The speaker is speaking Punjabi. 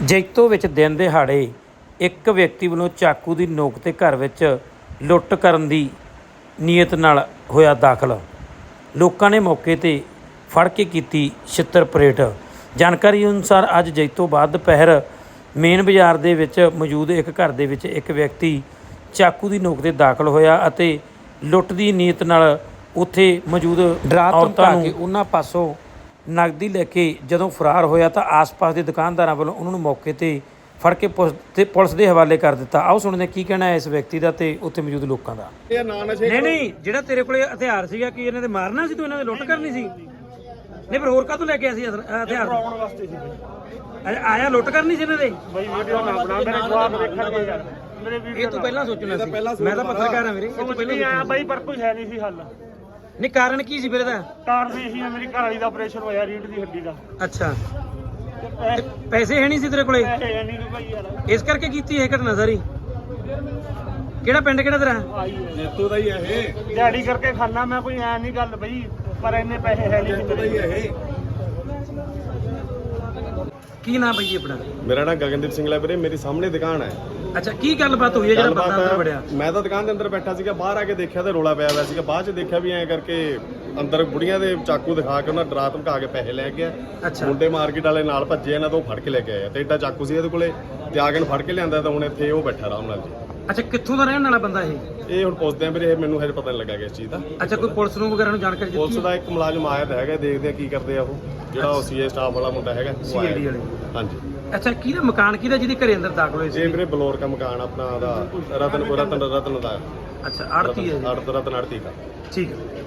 ਜੈਤੋ ਵਿੱਚ ਦਿਨ ਦਿਹਾੜੇ ਇੱਕ ਵਿਅਕਤੀ ਵੱਲੋਂ ਚਾਕੂ ਦੀ ਨੋਕ ਤੇ ਘਰ ਵਿੱਚ ਲੁੱਟ ਕਰਨ ਦੀ ਨੀਅਤ ਨਾਲ ਹੋਇਆ ਦਾਖਲ। ਲੋਕਾਂ ਨੇ ਮੌਕੇ ਤੇ ਫੜ ਕੇ ਕੀਤੀ ਛਿੱਤਰ ਪਰੇਡ। ਜਾਣਕਾਰੀ ਅਨੁਸਾਰ ਅੱਜ ਜੈਤੋ ਬਾਅਦ ਦੁਪਹਿਰ ਮੇਨ ਬਾਜ਼ਾਰ ਦੇ ਵਿੱਚ ਮੌਜੂਦ ਇੱਕ ਘਰ ਦੇ ਵਿੱਚ ਇੱਕ ਵਿਅਕਤੀ ਚਾਕੂ ਦੀ ਨੋਕ ਤੇ ਦਾਖਲ ਹੋਇਆ ਅਤੇ ਲੁੱਟ ਦੀ ਨੀਅਤ ਨਾਲ ਉੱਥੇ ਮੌਜੂਦ ਔਰਤਾਂ ਨੂੰ ਉਹਨਾਂ ਪਾਸੋਂ ਨਕਦੀ ਲੈ ਕੇ ਜਦੋਂ ਫਰਾਰ ਹੋਇਆ ਤਾਂ ਆਸ-ਪਾਸ ਦੇ ਦੁਕਾਨਦਾਰਾਂ ਵੱਲੋਂ ਉਹਨਾਂ ਨੂੰ ਮੌਕੇ ਤੇ ਫੜ ਕੇ ਪੁਲਿਸ ਦੇ ਹਵਾਲੇ ਕਰ ਦਿੱਤਾ। ਆਓ ਸੁਣਦੇ ਕੀ ਕਹਿਣਾ ਹੈ ਇਸ ਵਿਅਕਤੀ ਦਾ ਤੇ ਉੱਥੇ ਮੌਜੂਦ ਲੋਕਾਂ ਦਾ। ਨਹੀਂ ਜਿਹੜਾ ਤੇਰੇ ਕੋਲੇ ਹਥਿਆਰ ਸੀਗਾ ਕਿ ਇਹਨਾਂ ਦੇ ਮਾਰਨਾ ਸੀ, ਤੂੰ ਇਹਨਾਂ ਦੇ ਲੁੱਟ ਕਰਨੀ ਸੀ? ਨਹੀਂ ਪਰ ਹੋਰ ਕਾਹਤੋਂ ਲੈ ਕੇ ਆਇਆ ਸੀ ਹਥਿਆਰ? ਆਉਣ ਵਾਸਤੇ ਸੀ ਆਇਆ ਲੁੱਟ ਕਰਨੀ ਸੀ ਇਹਨਾਂ ਦੇ? ਬਈ ਵੀਡੀਓ ਨਾ ਬਣਾ, ਮੇਰੇ ਜਵਾਬ ਦੇਖਣਗੇ ਯਾਰ। ਮੇਰੇ ਵੀਡੀਓ ਇਹ ਤੂੰ ਪਹਿਲਾਂ ਸੋਚਣਾ ਸੀ। ਮੈਂ ਤਾਂ ਪੱਤਰਕਾਰ ਹਾਂ ਵੀਰੇ, ਇਹ ਤੂੰ ਪਹਿਲਾਂ ਆ ਬਈ, ਪਰ ਕੁਝ ਹੈ ਨਹੀਂ ਸੀ ਹੱਲ। ਨਹੀਂ ਕਾਰਨ ਕੀ ਸੀ ਵੀਰੇ ਦਾ? ਕਾਰਨ ਇਹ ਸੀ ਮੇਰੀ ਘਰ ਵਾਲੀ ਦਾ ਆਪਰੇਸ਼ਨ ਹੋਇਆ ਰੀੜ ਦੀ ਹੱਡੀ ਦਾ। ਅੱਛਾ, ਪੈਸੇ ਹੈ ਨਹੀਂ ਸੀ ਤੇਰੇ ਕੋਲੇ, ਪੈਸੇ ਹੈ ਨਹੀਂ ਬਈ ਯਾਰ, ਇਸ ਕਰਕੇ ਕੀਤੀ ਇਹ ਘਟਨਾ ਸਾਰੀ? ਕਿਹੜਾ ਪਿੰਡ ਕਿਹੜਾ ਤੇਰਾ? ਜੇਤੂ ਦਾ ਹੀ ਇਹ ਦਿਹਾੜੀ ਕਰਕੇ ਖਾਣਾ ਮੈਂ, ਕੋਈ ਐ ਨਹੀਂ ਗੱਲ ਬਈ, ਪਰ ਇੰਨੇ ਪੈਸੇ ਹੈ ਨਹੀਂ ਸੀ ਮੇਰੇ। ਕੀ ਨਾਮ ਬਈ ਆਪਣਾ? ਮੇਰਾ ਨਾਮ ਗਗਨਦੀਪ ਸਿੰਘ ਵੀਰੇ, ਮੇਰੀ ਸਾਹਮਣੇ ਦੁਕਾਨ ਹੈ। ਅੱਛਾ, ਕੀ ਗੱਲਬਾਤ ਹੋਈ ਹੈ ਜਿਹੜਾ ਬੰਦਾ ਅੰਦਰ ਵੜਿਆ? ਮੈਂ ਤਾਂ ਦੁਕਾਨ ਦੇ ਅੰਦਰ ਬੈਠਾ ਸੀਗਾ, ਬਾਹਰ ਆ ਕੇ ਦੇਖਿਆ ਤੇ ਰੋਲਾ ਪਿਆ ਹੋਇਆ ਸੀਗਾ। ਬਾਅਦ ਚ ਦੇਖਿਆ ਵੀ ਐਂ ਕਰਕੇ ਅੰਦਰ ਬੁੜੀਆਂ ਦੇ ਚਾਕੂ ਦਿਖਾ ਕੇ ਉਹਨਾਂ ਡਰਾ ਧਮਕਾ ਕੇ ਪੈਸੇ ਲੈ ਗਿਆ। ਅੱਛਾ, ਮੁੰਡੇ ਮਾਰਕੀਟ ਵਾਲੇ ਨਾਲ ਭੱਜੇ, ਇਹਨਾਂ ਤੋਂ ਫੜ ਕੇ ਲੈ ਕੇ ਆਏ ਤੇ ਏਡਾ ਚਾਕੂ ਸੀ ਇਹਦੇ ਕੋਲੇ ਤੇ ਆ ਕੇ ਫੜ ਕੇ ਲਿਆਂਦਾ ਤਾਂ ਹੁਣ ਇੱਥੇ ਉਹ ਬੈਠਾ ਆਰਾਮ ਨਾਲ ਜੀ। ਅੱਛਾ, ਕਿੱਥੋਂ ਦਾ ਰਹਿਣ ਵਾਲਾ ਬੰਦਾ ਇਹ? ਇਹ ਹੁਣ ਪੁੱਛਦੇ ਆ ਵੀਰੇ, ਮੈਨੂੰ ਹਜੇ ਪਤਾ ਨਹੀਂ ਲੱਗਾ ਇਸ ਚੀਜ਼ ਦਾ। ਅੱਛਾ, ਕੋਈ ਪੁਲਿਸ ਨੂੰ ਵਗੈਰਾ ਨੂੰ ਜਾਣਕਾਰੀ ਦਿੱਤੀ? ਪੁਲਿਸ ਦਾ ਇੱਕ ਮੁਲਾਜ਼ਮ ਆਇਆ ਤਾਂ ਹੈਗਾ, ਦੇਖਦੇ ਆ ਕੀ ਕਰਦੇ ਆ ਉਹ, ਜਿਹੜਾ ਉਹ ਸੀਏ ਸਟਾਫ ਵਾਲਾ ਮੁੰਡਾ ਹੈਗਾ ਸੀਆਈਡੀ ਵਾਲੇ। ਹਾਂਜੀ। ਅੱਛਾ, ਕਿਹਦਾ ਮਕਾਨ ਕਿਹਦਾ ਜਿਹਦੇ ਘਰੇ ਅੰਦਰ ਦਾਖਲ ਹੋਏ ਸੀ? ਇਹ ਵੀਰੇ ਬਲੌਰ ਦਾ ਮਕਾਨ ਆਪਣਾ ਦਾ ਰਤਨ ਦਾ। ਅੱਛਾ, ਆੜਤੀ ਹੈ ਜੀ। ਰਤਨ ਆੜਤੀ ਦਾ। ਠੀਕ ਹੈ।